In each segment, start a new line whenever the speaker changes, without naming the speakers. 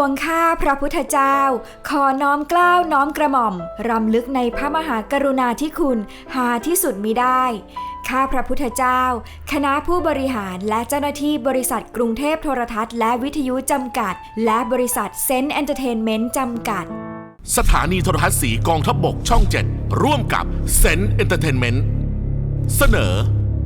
วงข้าพระพุทธเจ้าขอน้อมเกล้าน้อมกระหม่อมรำลึกในพระมหากรุณาธิคุณหาที่สุดมิได้ข้าพระพุทธเจ้าคณะผู้บริหารและเจ้าหน้าที่บริษัทกรุงเทพโทรทัศน์และวิทยุจำกัดและบริษัทเซนต์เอนเตอร์เทนเมนต์จำกัด
สถานีโทรทัศน์สีกองทัพบกช่อง 7 ร่วมกับเซนต์เอนเตอร์เทนเมนต์เสนอ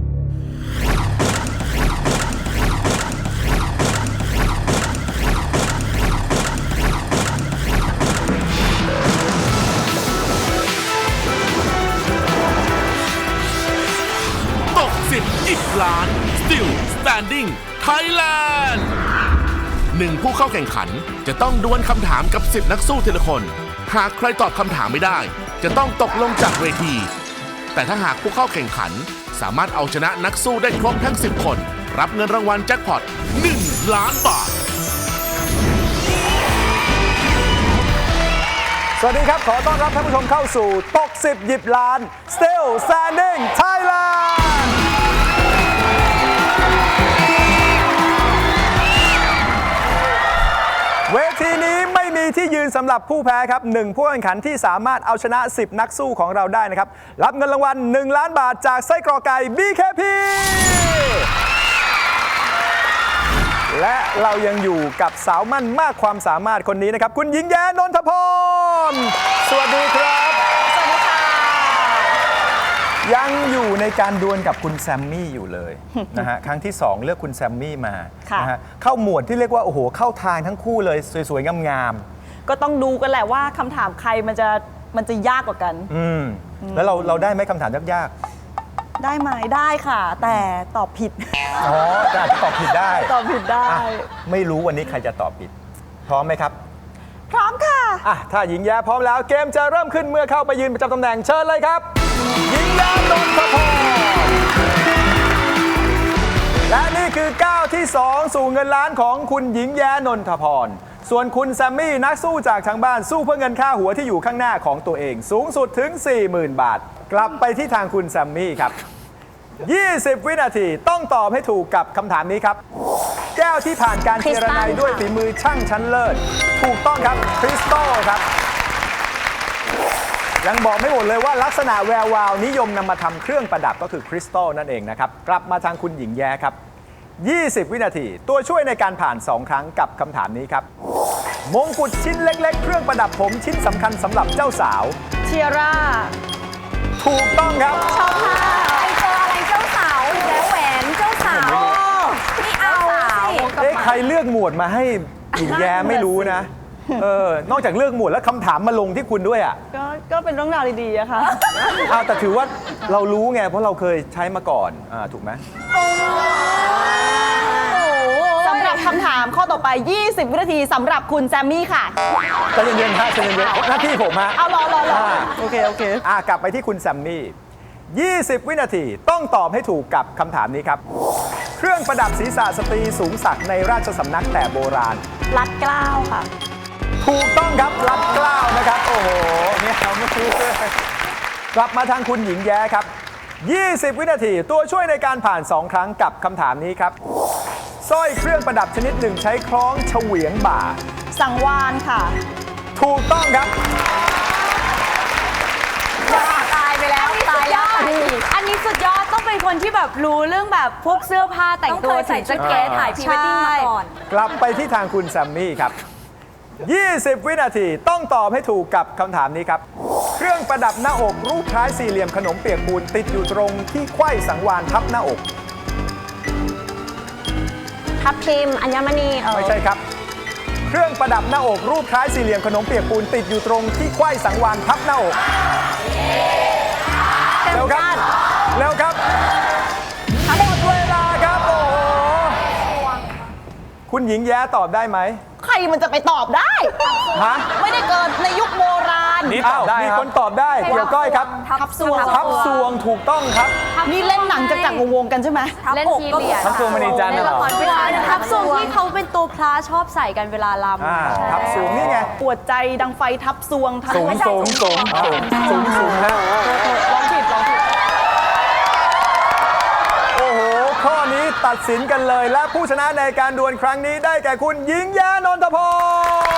ตก10 10 ล้าน Still Standing Thailand 1 ผู้เข้าแข่งขันจะต้องดวลคำถามกับ10 นักสู้ทีละคนหากใครตอบคำถามไม่ได้จะต้องตกลงจากเวทีแต่ถ้าหากผู้เข้าแข่งขันสามารถเอาชนะนักสู้ได้ครบทั้ง10 คนรับเงินรางวัลแจ็คพอต1 ล้านบาท
สวัสดีครับขอต้อนรับท่านผู้ชมเข้าสู่ตก10 หยิบล้าน Still Standing Thailand เวทีนี้ไม่มีที่ยืนสำหรับผู้แพ้ครับ1 ผู้แข่งขันที่สามารถเอาชนะ10 นักสู้ของเราได้นะครับรับเงินรางวัล1 ล้านบาทจากไส้กรอกไก่ BKP และเรายังอยู่กับสาวมั่นมากความสามารถคนนี้นะครับคุณหญิงแย้นนทพรสวัสดีครับ
สวัสดีค่ะ
ยังอยู่ในการดวลกับคุณแซมมี่อยู่เลย นะฮะครั้งที่2เลือกคุณแซมมี่มานะฮะเข้าหมวดที่เรียกว่าโอ้โหเข้าทางทั้งคู่เลยสวยๆงาม
ๆก็ต้องดูกันแหละว่าคำถามใครมันจะยากกว่ากัน
แล้วเราได้ไหมคำถามยาก
ๆได้ไหมได้ค่ะแต่ตอบผิด
อ๋อแต่อาจจะตอบผิดได้
ตอบผิดได้
ไม่รู้วันนี้ใครจะตอบผิดพร้อมไหมครับ
พร้อมค่ะ
ถ้าหญิงแย้พร้อมแล้วเกมจะเริ่มขึ้นเมื่อเข้าไปยืนประจำตำแหน่งเชิญเลยครับหญิงแย้นนทพรและนี่คือก้าวที่2สู่เงินล้านของคุณหญิงแย้นนทพรส่วนคุณแซมมี่นักสู้จากทางบ้านสู้เพื่อเงินค่าหัวที่อยู่ข้างหน้าของตัวเองสูงสุดถึง 40,000 บาทกลับไปที่ทางคุณแซมมี่ครับ20 วินาทีต้องตอบให้ถูกกับคำถามนี้ครับแก้วที่ผ่านการเจรไนด้วยฝีมือช่างชั้นเลิศถูกต้องครับคริสตัลครับยังบอกไม่หมดเลยว่าลักษณะแวววาวนิยมนำมาทำเครื่องประดับก็คือคริสตัลนั่นเองนะครับกลับมาทางคุณหญิงแย้ครับ20 วินาทีตัวช่วยในการผ่าน2 ครั้งกับคำถามนี้ครับมงกุฎชิ้นเล็กๆเครื่องประดับผมชิ้นสำคัญสำหรับเจ้าสาว
เทียร่า
ถูกต้องครับ
ชอบค่ะไอเจออะไรเจ้าสาวแล้วแหวนเจ้าสาวไม่เอาสิ
ใครเลือกหมวดมาให้หญิงแย้ไม่รู้นะนอกจากเลือกหมวดแล้วคำถามมาลงที่คุณด้วย
ก็เป็นเรื่องราวดีๆอะค่ะ
แต่ถือว่าเรารู้ไงเพราะเราเคยใช้มาก่อนถูกไหม
สำหรับคำถามข้อต่อไป20 วินาทีสำหรับคุณแซมมี่ค่ะ
ใจเย็นๆฮะใจเย็นๆหน้าที่ผมฮะ
เอารอโอเค
กลับไปที่คุณแซมมี่20 วินาทีต้องตอบให้ถูกกับคำถามนี้ครับเครื่องประดับศีรษะสตรีสูงศักดิ์ในราชสำนักแต่โบราณ
รัดเกล้าค่ะ
ถูกต้องครับรัดเกล้านะครับโอ้โหเนี่ยเราไม่รู้เลยกลับมาทางคุณหญิงแย้ครับ20 วินาทีตัวช่วยในการผ่าน2 ครั้งกับคำถามนี้ครับสร้อยเครื่องประดับชนิดหนึ่งใช้คล้องเฉวียงบ่า
สังวาลค่ะ
ถูกต้องครับ
ตายไปแล้วตายแล้ว
อันนี้สุดยอดต้องเป็นคนที่แบบรู้เรื่องแบบพวกเสื้อผ้าแต่งตัว
ใส่แจ็คเก็ตถ่ายพรีเวดดิ้งมาก่อน
กลับไปที่ทางคุณแซมมี่ครับ20 วินาทีต้องตอบให้ถูกกับคำถามนี้ครับเครื่องประดับหน้าอกรูปคล้ายสี่เหลี่ยมขนมเปียกปูนติดอยู่ตรงที่ไขว้สังวาลทับหน้าอก
ทับทิมอัญมณี
ไม่ใช่ครับเครื่องประดับหน้าอกรูปคล้ายสี่เหลี่ยมขนมเปียกปูนติดอยู่ตรงที่ไขว้สังวาลทับหน้าอกเร็วครับหมดเวลาครับโอ้โหคุณหญิงแย้ตอบได้ไหม
ใครมันจะไปตอบได้ไม่ได้เกิดในยุคโบราณ
นี่ตอบได้มีคนตอบได้เกี่ยวก้อยครับ
ทับซวง
ถูกต้องครับ
นี่เล่นหนังจักรวงกันใช่ไหม
เล่นทีเรีย
ทับซวงมณีจันทร์เหรอ
ทับซวงที่เขาเป็นตัวพระชอบใส่กันเวลาลำ
ทับซวงนี่ไง
ปวดใจดังไฟทับซวง
สูงฮะ
ลองผิด
โอ้โหข้อนี้ตัดสินกันเลยและผู้ชนะในการดวลครั้งนี้ได้แก่คุณหญิงแย้นนทพร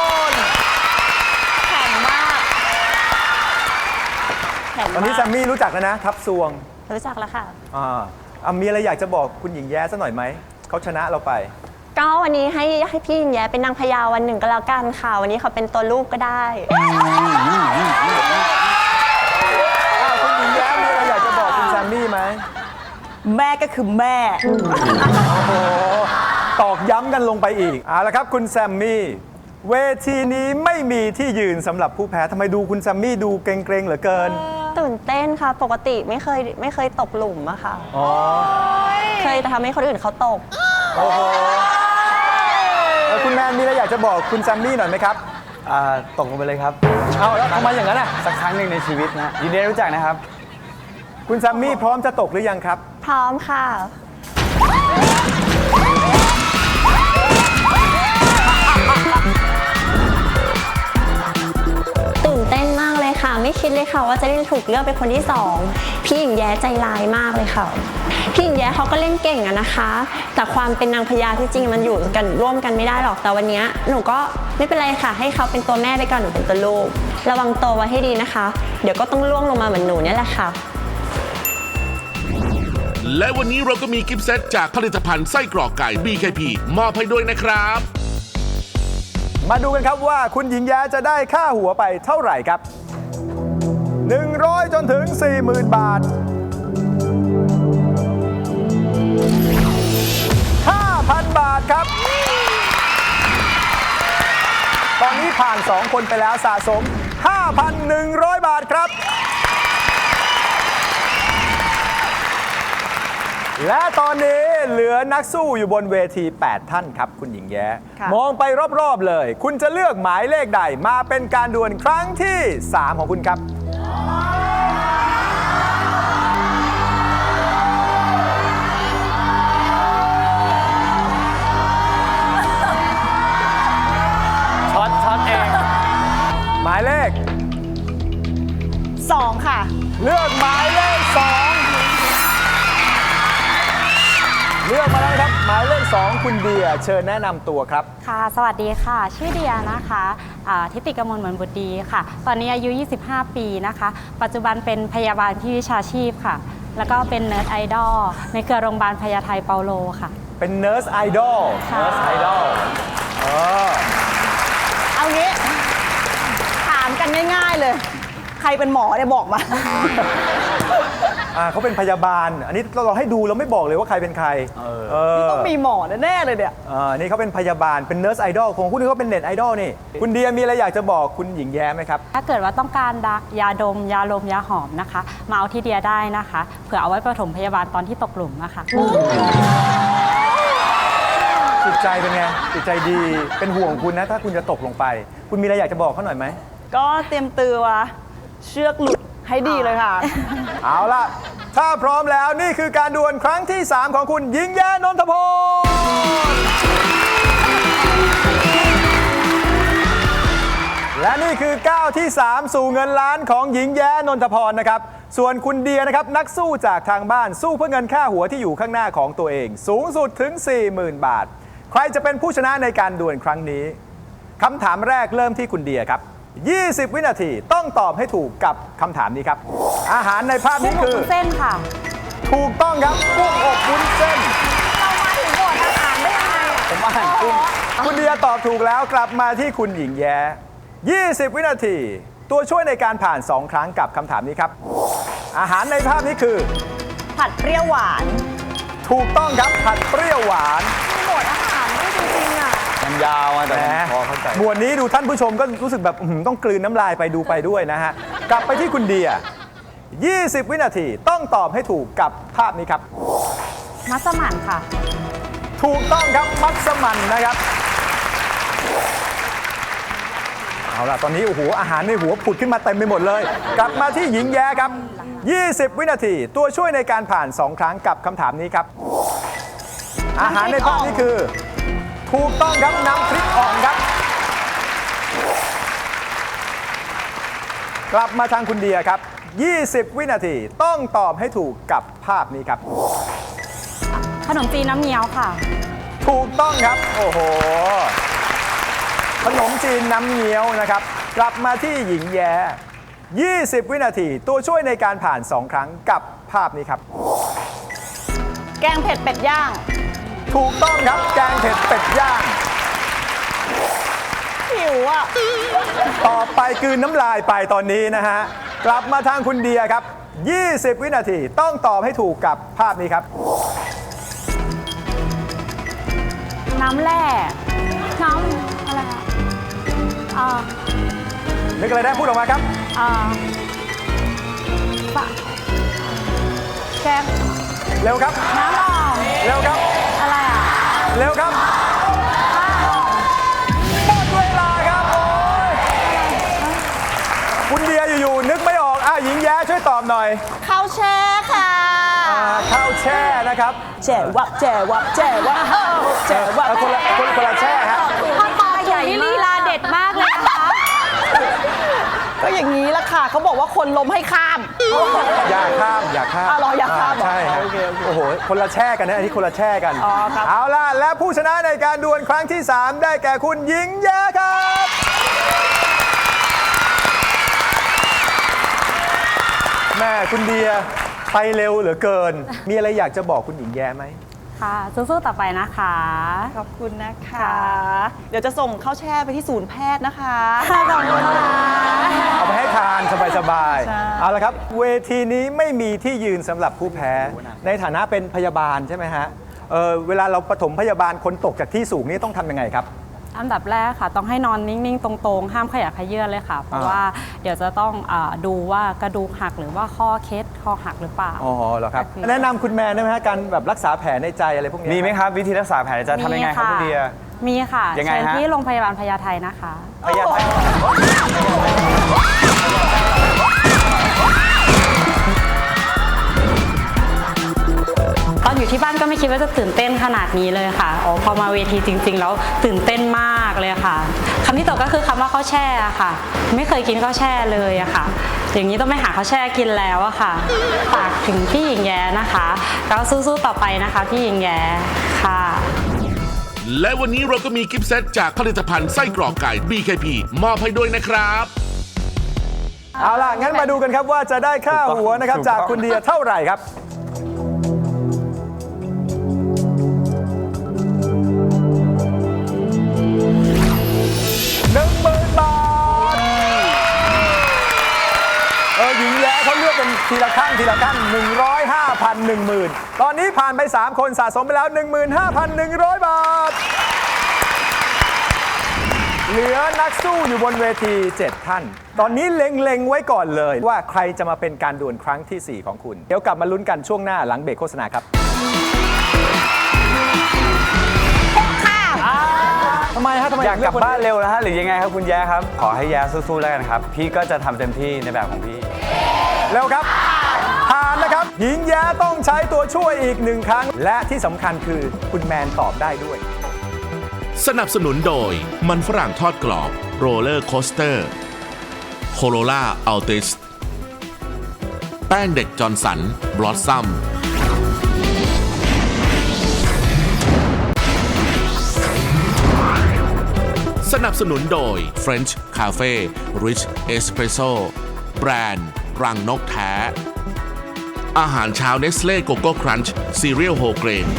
ตอนนี้แซมมี่รู้จักแล้วนะ ทับซวง
รู้จักแล้วค่ะ
มีอะไรอยากจะบอกคุณหญิงแย้สักหน่อยไหม เขาชนะเราไป
ก็วันนี้ให้พี่หญิงแย้เป็นนางพญาวันหนึ่งก็แล้วกันค่ะ วันนี้เขาเป็นตัวลูกก็ได้
คุณหญิงแย้มีอะไรอยากจะบอกคุณแซมมี่ไหม
แม่ก็คือแม่
ตอกย้ำกันลงไปอีกเอาละครับคุณแซมมี่ เวทีนี้ไม่มีที่ยืนสำหรับผู้แพ้ทำไมดูคุณแซมมี่ดูเกรงๆเหลือเกิน
ตื่นเต้นค่ะ ปกติไม่เคยตกหลุมอะค่ะ
อ๋อ
เคยแต่ทำให้คนอื่นเขาตก
โอ้โหคุณแมนมีอะไรอยากจะบอกคุณแซมมี่หน่อยไหมครับ
ตกลงไปเลยครับ
เอาแล้วทำไมอย่างนั้นอ่ะ
สักครั้งหนึ่งในชีวิตนะยินดีได้รู้จักนะครับ
คุณแซมมี่พร้อมจะตกหรือยังครับ
พร้อมค่ะ ตื่นเต้นมากเลยค่ะ ไม่คิดเลยค่ะว่าจะได้ถูกเลือกเป็นคนที่สองพี่หญิงแย้ใจร้ายมากเลยค่ะ พี่หญิงแย้เขาก็เล่นเก่งอะนะคะ แต่ความเป็นนางพญาที่จริงมันอยู่กันร่วมกันไม่ได้หรอกแต่วันนี้หนูก็ไม่เป็นไรค่ะ ให้เขาเป็นตัวแม่ไปก่อนหนูเป็นตัวลูกระวังตัวไว้ให้ดีนะคะ เดี๋ยวก็ต้องล่วงลงมาเหมือนหนูเนี่ยแหละค่ะ
และวันนี้เราก็มีกิฟต์เซตจากผลิตภัณฑ์ไส้กรอกไก่ BKP มอบให้ด้วยนะครับ
มาดูกันครับว่าคุณหญิงแย้จะได้ค่าหัวไปเท่าไหร่ครับ 100 จนถึง 40,000 บาท 5,000 บาทครับ ตอนนี้ผ่าน 2 คนไปแล้วสะสม 5,100 บาทครับ และตอนนี้เหลือนักสู้อยู่บนเวที 8 ท่านครับ คุณหญิงแย้
ค่ะ
มองไปรอบๆเลย คุณจะเลือกหมายเลขใดมาเป็นการดวลครั้งที่ 3 ของคุณครับ
ช็อตเอง
หมายเลข
2 ค่ะ
เลือกหมายเลข 2 เลือกมาแล้วนะครับ หมายเลข 2 คุณเดียเชิญแนะนำตัวครับ
ค่ะ สวัสดีค่ะ ชื่อเดียนะคะทิติกมลเหมือนบุตรดีค่ะ ตอนนี้อายุ 25 ปีนะคะ ปัจจุบันเป็นพยาบาลที่วิชาชีพค่ะ แล้วก็เป็นเนิร์ดไอดอลในเครือโรงพยาบาลพญาไทเปาโลค่ะ
เป็นเนิร์สไอดอล
ค่ะ
เนิร์สไอดอล
เอางี้ ถามกันง่ายๆเลย ใครเป็นหมอเนี่ยบอกมา
เขาเป็นพยาบาล อันนี้เราให้ดูเราไม่บอกเลยว่าใครเป็นใคร
ต้องมีหมอแน่ๆเลยเนี่ย
นี่เขาเป็นพยาบาล เป็นเนิร์สไอดอลของคุณนี่เขาเป็นเน็ตไอดอลนี่ คุณเดียมีอะไรอยากจะบอกคุณหญิงแย้ไหมครับ
ถ้าเกิดว่าต้องการยาดม ยาลม ยาหอมนะคะ มาเอาที่เดียได้นะคะ เผื่อเอาไว้ปฐมพยาบาลตอนที่ตกหลุมนะคะ
จิตใจเป็นไง จิตใจดี เป็นห่วงคุณนะ ถ้าคุณจะตกลงไป คุณมีอะไรอยากจะบอกเขาหน่อยไหม
ก็เตรียมตัวเชือกหลุดให้ดีเลยค่ะ
เอาล่ะ ถ้าพร้อมแล้วนี่คือการดวลครั้งที่ 3 ของคุณหญิงแย้นนทพร และนี่คือก้าวที่ 3 สู่เงินล้านของหญิงแย้นนทพรนะครับ ส่วนคุณเดียนะครับนักสู้จากทางบ้านสู้เพื่อเงินค่าหัวที่อยู่ข้างหน้าของตัวเอง สูงสุดถึง 40,000 บาท ใครจะเป็นผู้ชนะในการดวลครั้งนี้คำถามแรกเริ่มที่คุณเดียครับ 20 วินาทีต้องตอบให้ถูกกับคำถามนี้ครับ อาหารในภาพนี้คือ
เส้นค่ะ
ถูกต้องครับกุ้งอบวุ้นเส้น
เรามาถึงบทอาหารได้ยังไงอะ
ผมอ่านกุ้งคุณเดียตอบถูกแล้วกลับมาที่คุณหญิงแย้ 20 วินาที ตัวช่วยในการผ่าน 2 ครั้งกับคำถามนี้ครับ อาหารในภาพนี้คือ
ผัดเปรี้ยวหวาน
ถูกต้องครับผัดเปรี้ยวหวาน
มีบทอาหารด้วยจริงๆอ่ะ
มันยาวอะแต่
แหม
พอเข้าใจ
หมวดนี้ดูท่านผู้ชมก็รู้สึกแบบต้องกลืนน้ำลายไปดูไปด้วยนะฮะ กลับไปที่คุณเดีย 20 วินาทีต้องตอบให้ถูกกับภาพนี้ครับ
มัสมั่นค่ะ
ถูกต้องครับมัสมั่นนะครับ เอาล่ะตอนนี้โอ้โหอาหารในหัวผุดขึ้นมาเต็มไปหมดเลย กลับมาที่หญิงแย้ครับ 20 วินาทีตัวช่วยในการผ่าน 2 ครั้งกับคำถามนี้ครับ อาหารในภาพนี้คือ ถูกต้องครับน้ำพริกอ่องครับ กลับมาทางคุณเดียครับ 20 วินาทีต้องตอบให้ถูกกับภาพนี้ครับ
ขนมจีนน้ำเงี้ยวค่ะ
ถูกต้องครับ โอ้โห ขนมจีนน้ำเงี้ยวนะครับ กลับมาที่หญิงแย้ 20 วินาทีตัวช่วยในการผ่าน 2 ครั้งกับภาพนี้ครับ
แกงเผ็ดเป็ดย่าง
ถูกต้องครับแกงเผ็ดเป็ดย่าง
หิวอ่ะ
ต่อไปกลืนน้ำลายไปตอนนี้นะฮะ กลับมาทางคุณเดียครับ 20 วินาทีต้องตอบให้ถูกกับภาพนี้ครับ
น้ำแร่น้ำอะไรอะอ่า
นึกอะไรได้พูดออกมาครับ
ปะแกง
เร็วครับ
น้ำหอม
เร็วครับ
อะไรอ่ะ
เร็วครับหมดเวลาครับโอ้ยคุณเดียอยู่ๆนึกไม่ออกหญิงแย้ช่วยตอบหน่อย
ข้าวแช่ค่ะ
ข้าวแช่นะครับ
แจ่วับแจ่วับแจ่วับแจ่วับ
คนละแช่ฮะ
พอตอบใหญ่นี่ลีลาเด็ดมากเลยนะคะ
ก็อย่างนี้ละค่ะเขาบอกว่าคนล้มให้ข้าม
อย่าข้ามอย่าข้าม
รออย่าข้ามเหรอ
ใช่ครับ
โอเค
โอ้โหคนละแช่กันนะอันนี้คนละแช่กัน
อ๋อครับ
เอาล่ะและผู้ชนะในการดวลครั้งที่ 3 ได้แก่คุณหญิงแย้ครับแม่คุณเดียไปเร็วเหลือเกิน มีอะไรอยากจะบอกคุณหญิงแย้ไหม
ค่ะสู้ๆต่อไปนะคะ
ขอบคุณนะคะ เดี๋ยวจะส่งข้าวแช่ไปที่ศูนย์แพทย์นะคะ
ขอบคุณค่ะ
เอาไปให้ทานสบาย
ใช่
ๆ เอาละครับ เวทีนี้ไม่มีที่ยืนสำหรับผู้แพ้ ในฐานะเป็นพยาบาลใช่ไหมฮะเวลาเราปฐมพยาบาลคนตกจากที่สูงนี่ต้องทำยังไงครับ
อันดับแรกค่ะต้องให้นอนนิ่งๆ ตรงๆ ห้ามขยับเขยื้อนเลยค่ะ เพราะว่าเดี๋ยวจะต้องดูว่ากระดูกหักหรือว่าข้อเคล็ดข้อหักหรือเปล่า
อ๋อเหรอครับ
ก็คือ
แนะนำคุณแมนได้ไหมฮะการแบบรักษาแผลในใจอะไรพวกนี้
มีไหมครับ วิธีรักษาแผลจะทำยังไงครับคุณเดีย
มีค่ะ
ยังไง
เชิญ
ฮะ
ที่โรงพยาบาลพญาไทนะคะ
พยาธิ
ตอนอยู่ที่บ้านก็ไม่คิดว่าจะตื่นเต้นขนาดนี้เลยค่ะพอมาเวทีจริงๆแล้วตื่นเต้นมากเลยค่ะคำที่ตกก็คือคำว่าข้าวแช่ค่ะ ไม่เคยกินข้าวแช่เลยอะค่ะ อย่างนี้ต้องไปหาข้าวแช่กินแล้วอะค่ะฝากถึงพี่หญิงแย้นะคะก็สู้ๆต่อไปนะคะพี่หญิงแย้ค่ะ
และวันนี้เราก็มีกิฟต์เซตจากผลิตภัณฑ์ไส้กรอกไก่ BKP มอบให้ด้วยนะครับ
เอาล่ะ งั้นมาดูกันครับว่าจะได้ค่าหัวนะครับจากคุณเดียเท่าไหร่ครับ 10,000 บาท หญิงแย้เขาเลือกเป็นทีละขั้น100 5,000 10,000 ตอนนี้ผ่านไป 3 คนสะสมไปแล้ว 15,100 บาท เหลือนักสู้อยู่บนเวที 7 ท่าน ตอนนี้เล็งๆไว้ก่อนเลยว่าใครจะมาเป็นการดวลครั้งที่ 4 ของคุณ เดี๋ยวกลับมาลุ้นกันช่วงหน้าหลังเบรกโฆษณาครับทำไมฮะทำไม
อยากกลับ
เลืคน
บ้านเร็วนะฮะหรือยังไงครับคุณแย้ครับ ขอให้แย้สู้ๆแล้วกันครับ พี่ก็จะทำเต็มที่ในแบบของพี่
เร็วครับ ผ่านนะครับ หญิงแย้ต้องใช้ตัวช่วยอีก 1 ครั้ง และที่สำคัญคือคุณแมนตอบได้ด้วย
สนับสนุนโดยมันฝรั่งทอดกรอบโรลเลอร์โคสเตอร์โคโรล่าอัลติสแป้งเด็กจอร์นสันบลอสซัมสนับสนุนโดย French Cafe Rich Espresso แบรนด์รังนกแท้ อาหารเช้าเนสเล่โกโก้ครันช์ซีเรียลโฮเกรน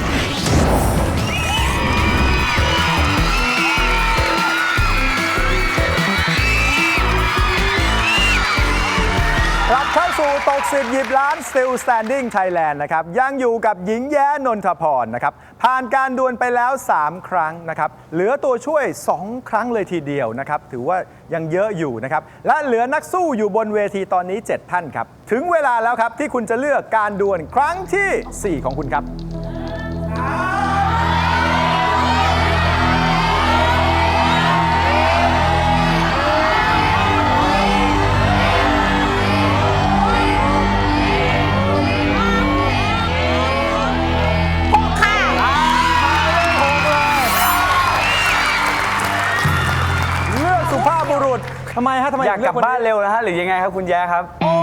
กลับเข้าสู่ตก10หยิบล้าน Still Standing Thailand นะครับยังอยู่กับหญิงแย้นนทพรนะครับผ่านการดวลไปแล้ว 3 ครั้งนะครับเหลือตัวช่วย 2 ครั้งเลยทีเดียวนะครับถือว่ายังเยอะอยู่นะครับและเหลือนักสู้อยู่บนเวทีตอนนี้ 7 ท่านครับถึงเวลาแล้วครับที่คุณจะเลือกการดวลครั้งทีสี่ 4 ของคุณครับ เลือกสุภาพบุรุษทำไมฮะทำไม
อยากกลับ
เลืคน
บ้านเร็วนะฮะหรือยังไงครับคุณแย้ครับ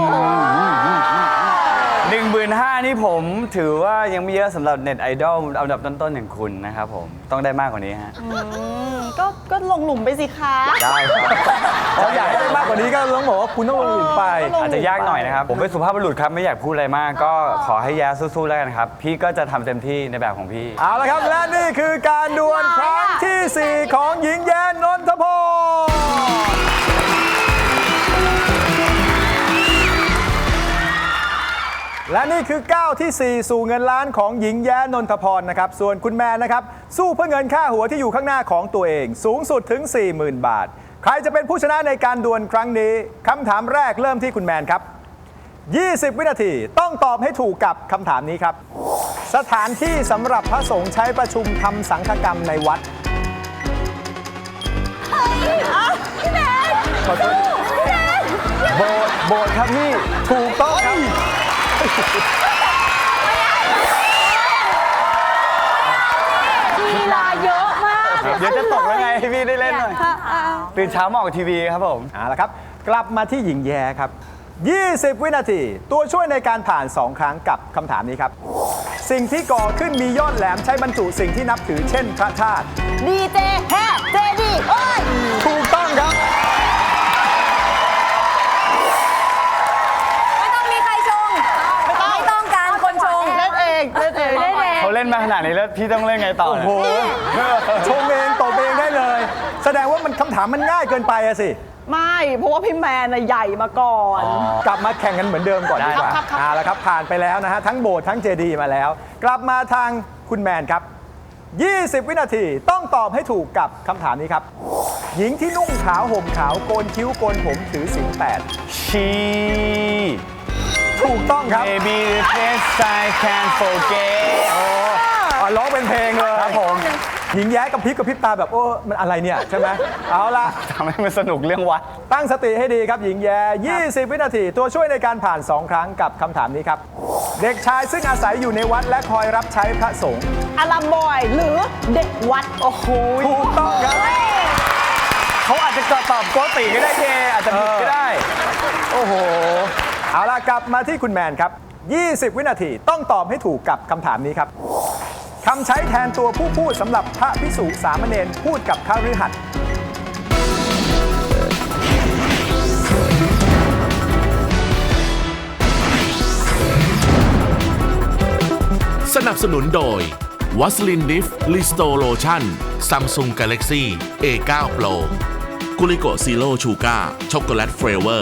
15,000นี่ผมถือว่ายังไม่เยอะสำหรับเน็ตไอดอลอันดับต้นๆอย่างคุณนะครับผมต้องได้มากกว่านี้ฮะ
ก็ลงหลุมไปสิคะ
ได้ครับ
อยากให้ได้มากกว่านี้ก็ต้องบอกว่าคุณต้องลงหลุมไป
อาจจะยากหน่อยนะครับ ผมเป็นสุภาพบุรุษครับไม่อยากพูดอะไรมาก ก็ขอให้แย้สู้ๆแล้วกันครับ พี่ก็จะทำเต็มที่ในแบบของพี่
เอาละครับและนี่คือการดวลครั้งทีสี่ 4 ของหญิงแย้นนทพรและนี่คือก้าวที่ 4 สู่เงินล้านของหญิงแย้นนทพรนะครับส่วนคุณแมนนะครับสู้เพื่อเงินค่าหัวที่อยู่ข้างหน้าของตัวเองสูงสุดถึง 40,000 บาท ใครจะเป็นผู้ชนะในการดวลครั้งนี้คำถามแรกเริ่มที่คุณแมนครับ 20 วินาทีต้องตอบให้ถูกกับคำถามนี้ครับ สถานที่สำหรับพระสงฆ์ใช้ประชุมทำสังฆกรรมในวัด
พี่แมน
ขอโทษ
พี่แมน
โบสถ์ครับพี่ถูกต้องครับ
ลีลาเยอะมาก
เดี๋ยวจะตกแล้วไงให้พี่ได้เล่นหน่อยตื่นเช้ามาออกทีวีครับผม
เอาละครับ กลับมาที่หญิงแย้ครับ 20 วินาที ตัวช่วยในการผ่าน 2 ครั้งกับคำถามนี้ครับ สิ่งที่ก่อขึ้นมียอดแหลมใช้บรรจุสิ่งที่นับถือเช่นพระธาตุ
ดีเจแฮเจดีโอ้ย
ถูกต้องครับ
ไม่ต้องมีใครชง ไม่ต้องการคนชง เล่นเองเล่นเองเล่นเอง
เขาเล่นมาขนาดนี้แล้วพี่ต้องเล่นไงต่อ
โอ้โห ชงเองตบเองได้เลย แสดงว่ามันคำถามมันง่ายเกินไปอะสิ
ไม่ เพราะว่าพี่แมนน่ะใหญ่มาก่อน
กลับมาแข่งกันเหมือนเดิมก่อนดีกว่า
ครับ
เอาละครับผ่านไปแล้วนะฮะทั้งโบสถ์ทั้งเจดีย์มาแล้ว กลับมาทางคุณแมนครับ 20 วินาทีต้องตอบให้ถูกกับคำถามนี้ครับ หญิงที่นุ่งขาวห่มขาวโกนคิ้วโกนผมถือศีล
ชี
8ถูกต้องครับ
Maybe the best I can forget
ร้องเป็นเพลงเลย
ครับผม
หญิงแย้กับพริบตาแบบโอ้มันอะไรเนี่ยใช่ไหมเอาละ
ทำให้มันสนุกเรื่องวัด
ตั้งสติให้ดีครับหญิงแย้ 20 วินาทีตัวช่วยในการผ่าน 2 ครั้งกับคำถามนี้ครับ เด็กชายซึ่งอาศัยอยู่ในวัดและคอยรับใช้พระสงฆ์
อารัมบอย หรือเด็กวัด โอ้โห
ถูกต้องครับ
เขาอาจจะตอบโกติก็ได้เจอาจจะผิดก็ได้
โอ้โห เอาล่ะกลับมาที่คุณแมนครับ 20 วินาทีต้องตอบให้ถูกกับคำถามนี้ครับคำใช้แทนตัวผู้พูดสำหรับพระภิกษุสามเณรพูดกับคฤหัสถ์
สนับสนุนโดยวัสลินดิฟลิสโตโลชั่น Samsung Galaxy A9 Pro กุลิโกซีโร่ชูการ์ช็อกโกแลตเฟรเวอร์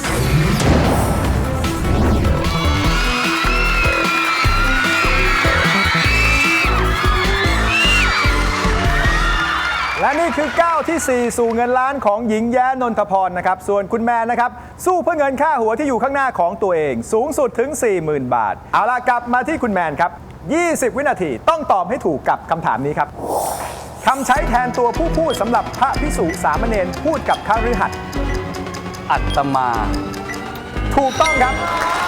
และนี่คือก้าวที่ 4 สู่เงินล้านของหญิงแย้นนทพรนะครับส่วนคุณแมนนะครับสู้เพื่อเงินค่าหัวที่อยู่ข้างหน้าของตัวเองสูงสุดถึง 40,000 บาท เอาล่ะกลับมาที่คุณแมนครับ 20 วินาทีต้องตอบให้ถูกกับคำถามนี้ครับคำใช้แทนตัวผู้พูดสำหรับพระภิกษุสามเณรพูดกับคฤหัสถ์
อัตมา
ถูกต้องครับ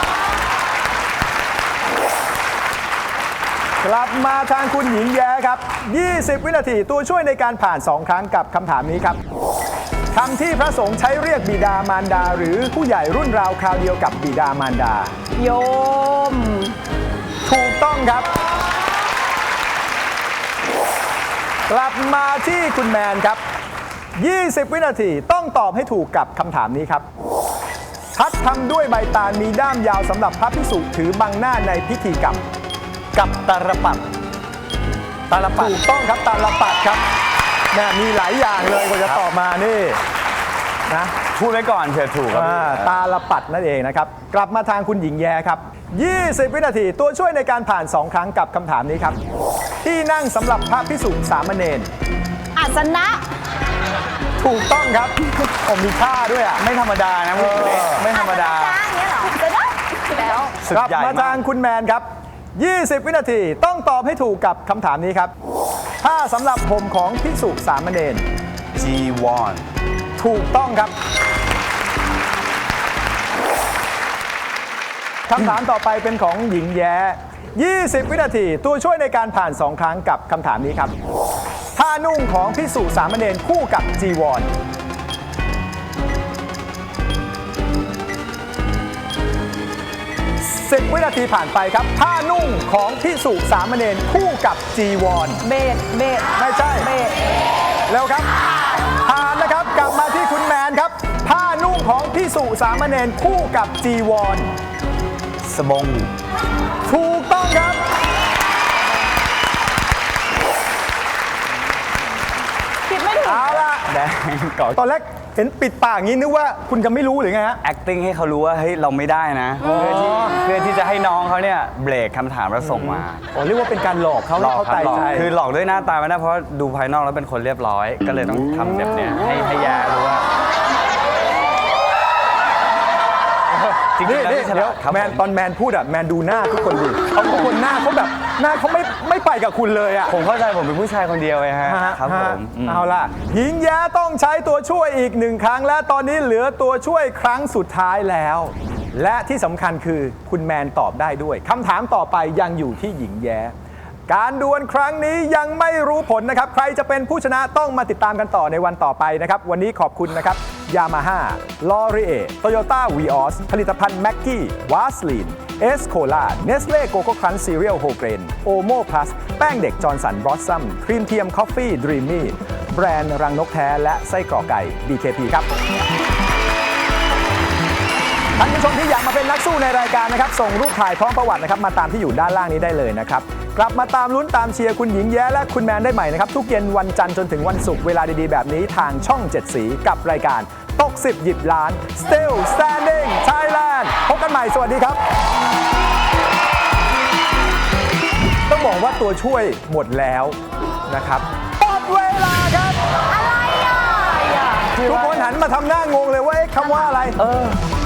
กลับมาทางคุณหญิงแย้ครับ 20 วินาทีตัวช่วยในการผ่าน 2 ครั้งกับคำถามนี้ครับคำที่พระสงฆ์ใช้เรียกบิดามารดา หรือผู้ใหญ่รุ่นราวคราวเดียวกับบิดามารดา
โยม
ถูกต้องครับ กลับมาที่คุณแมนครับ 20 วินาทีต้องตอบให้ถูกกับคำถามนี้ครับทัดทำด้วยใบตาลมีด้ามยาวสำหรับพระภิกษุถือบังหน้าในพิธีกรรม
กับตาลปัดตาลปัด
ถูกต้องครับตาลปัดครับนะมีหลายอย่างเลยกว่าจะตอบมานี่นะ
พูดไว้ก่อนเผื่อถูกครับ
ตาลปัดนั่นเองนะครับกลับมาทางคุณหญิงแย้ครับ 20 วินาทีตัวช่วยในการผ่าน 2 ครั้งกับคำถามนี้ครับที่นั่งสำหรับพระภิกษุสามเณร
อาสนะ
ถูกต้องครับมีค่าด้วยอ่ะ
ไม่ธรรมดานะพูดเล็กไม่ธรรมดา
จ้าอย่างเงี้ยเหรอจะได้แล้ว
สึก
กลับ
ใหญ่
มาทางคุณแมนครับ 20 วินาทีต้องตอบให้ถูกกับคำถามนี้ครับผ้าสำหรับห่มของภิกษุสามเณร
จีวอน
ถูกต้องครับคำถามต่อไปเป็นของหญิงแย้ 20 วินาทีตัวช่วยในการผ่าน 2 ครั้งกับคำถามนี้ครับผ้านุ่งของภิกษุสามเณรคู่กับจีวร 10 วินาทีผ่านไปครับผ้านุ่งของภิกษุสามเณรคู่กับจีวร
เบสเบส
ไม่ใช่
เบส
เร็วครับผ่านนะครับกลับมาที่คุณแมนครับษุสามเณรคู่กับจีวร
สบง
ถูกต้องครับ
คิดไม่ถึง
เอาล่ะ
แดงก่อน
ตอนแรกเห็นปิดปากอย่างนี้นึกว่าคุณจะไม่รู้หรือไงฮะ
acting ให้เขารู้ว่าเฮ้ยเราไม่ได้นะ เพื่อที่จะให้น้องเขาเนี่ยเบรกคำถามแล้วส่งมา
อ๋อเรียกว่าเป็นการหลอกเขา
หลอก
เขา
ครับ
ตาย
หลอก
ใจ
คือหลอกด้วยหน้าตาไม่ได้เพราะดูภายนอกแล้วเป็นคนเรียบร้อย ก็เลยต้องทำแบบเนี้ยให้แย่รู้ว่าจริง
นี่
ๆแล้ว
นี่
ที่ฉ
เดี๋ย
ลาว ดครับ
แมน
ผม
ตอนแมนพูดอะแมนดูหน้าทุกคนดิทุกคนหน้าเขาแบบหน้าเขาไม่ไปกับคุณเลยอะ
ผมเข้าใจผมเป็นผู้ชายคนเดียวไงฮะครับผมอืม
เอาล่ะหญิงแย้ต้องใช้ตัวช่วยอีก1 ครั้งและตอนนี้เหลือตัวช่วยครั้งสุดท้ายแล้ว และที่สำคัญคือคุณแมนตอบได้ด้วยคำถามต่อไปยังอยู่ที่หญิงแย้ การดวลครั้งนี้ยังไม่รู้ผลนะครับใครจะเป็นผู้ชนะต้องมาติดตามกันต่อในวันต่อไปนะครับวันนี้ขอบคุณนะครับยามาฮ่าลอรีเอโตโยต้าวีออสผลิตภัณฑ์แม็กกี้วาสลีนเอสโคลาเนสเล่โกโก้ครันช์ซีเรียลโฮเกรนโอโมพลัสแป้งเด็กจอร์นสันบลอสซัมครีมเทียมคอฟฟี่ดรีมมี่แบรนด์รังนกแท้และไส้กรอกไก่ DKP ครับท่านผู้ชมที่อยากมาเป็นนักสู้ในรายการนะครับส่งรูปถ่ายพร้อมประวัตินะครับมาตามที่อยู่ด้านล่างนี้ได้เลยนะครับกลับมาตามลุ้นตามเชียร์คุณหญิงแย้และคุณแมนได้ใหม่นะครับทุกเย็นวันจันทร์จนถึงวันศุกร์เวลาดีๆแบบนี้ทางช่อง 7 สีกับรายการตก10หยิบล้าน Still Standing Thailand พบกันใหม่สวัสดีครับต้องบอกว่าตัวช่วยหมดแล้วนะครับหมดเวลาครับอะไรอ่ะทุกคนหันมาทำหน้างงเลยว่าเอ๊ะคำว่าอะไร